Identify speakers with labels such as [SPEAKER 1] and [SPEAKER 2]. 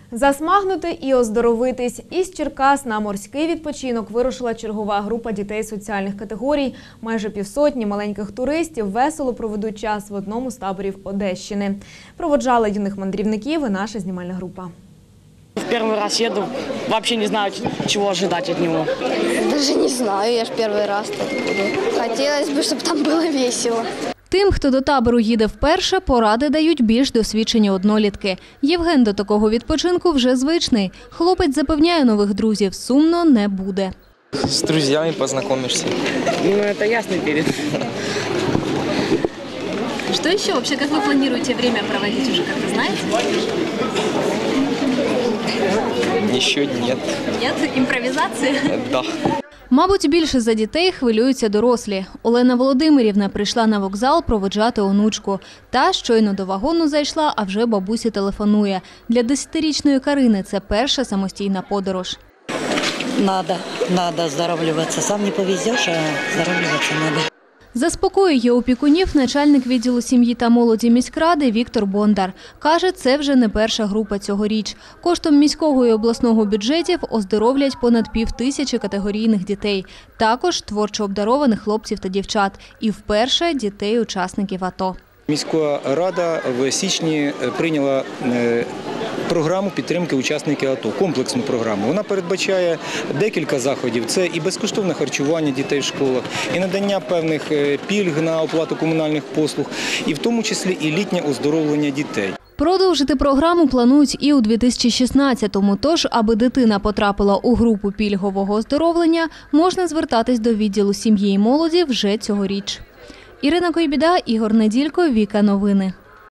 [SPEAKER 1] Засмагнути і оздоровитись. Із Черкас на морський відпочинок вирушила чергова група дітей соціальних категорій. Майже півсотні маленьких туристів весело проведуть час в одному з таборів Одещини. Проводжала юних мандрівників і наша знімальна група.
[SPEAKER 2] Первый раз еду, вообще не знаю, чего ожидать от него.
[SPEAKER 3] Даже не знаю, я ж первый раз тут буду. Хотелось бы, чтобы там было весело.
[SPEAKER 4] Тим, хто до табору їде вперше, поради дають більш досвідчені однолітки. Євген до такого відпочинку вже звичний. Хлопець запевняє нових друзів, сумно не буде.
[SPEAKER 5] С друзьями познакомишься.
[SPEAKER 2] Ну, это ясный перед.
[SPEAKER 4] Что еще? Вообще, как вы планируете время проводить, уже как-то знаете?
[SPEAKER 5] Еще нет.
[SPEAKER 4] Нет? Імпровізації?
[SPEAKER 5] Да.
[SPEAKER 4] Мабуть, більше за дітей хвилюються дорослі. Олена Володимирівна прийшла на вокзал проводжати онучку. Та щойно до вагону зайшла, а вже бабусі телефонує. Для 10-річної Карини це перша самостійна подорож.
[SPEAKER 6] Надо оздоравливаться. Сам не повезешь, а оздоравливаться надо.
[SPEAKER 4] Заспокоює опікунів начальник відділу сім'ї та молоді міськради Віктор Бондар. Каже, це вже не перша група цьогоріч. Коштом міського і обласного бюджетів оздоровлять понад 5000 категорійних дітей. Також творчо обдарованих хлопців та дівчат. І вперше дітей-учасників АТО.
[SPEAKER 7] Міська рада в січні прийняла програму підтримки учасників АТО, комплексну програму. Вона передбачає декілька заходів. Це і безкоштовне харчування дітей в школах, і надання певних пільг на оплату комунальних послуг, і в тому числі і літнє оздоровлення дітей.
[SPEAKER 4] Продовжити програму планують і у 2016-му, тож, аби дитина потрапила у групу пільгового оздоровлення, можна звертатись до відділу сім'ї і молоді вже цьогоріч. Ірина Койбіда, Ігор Неділько, Віка Новини.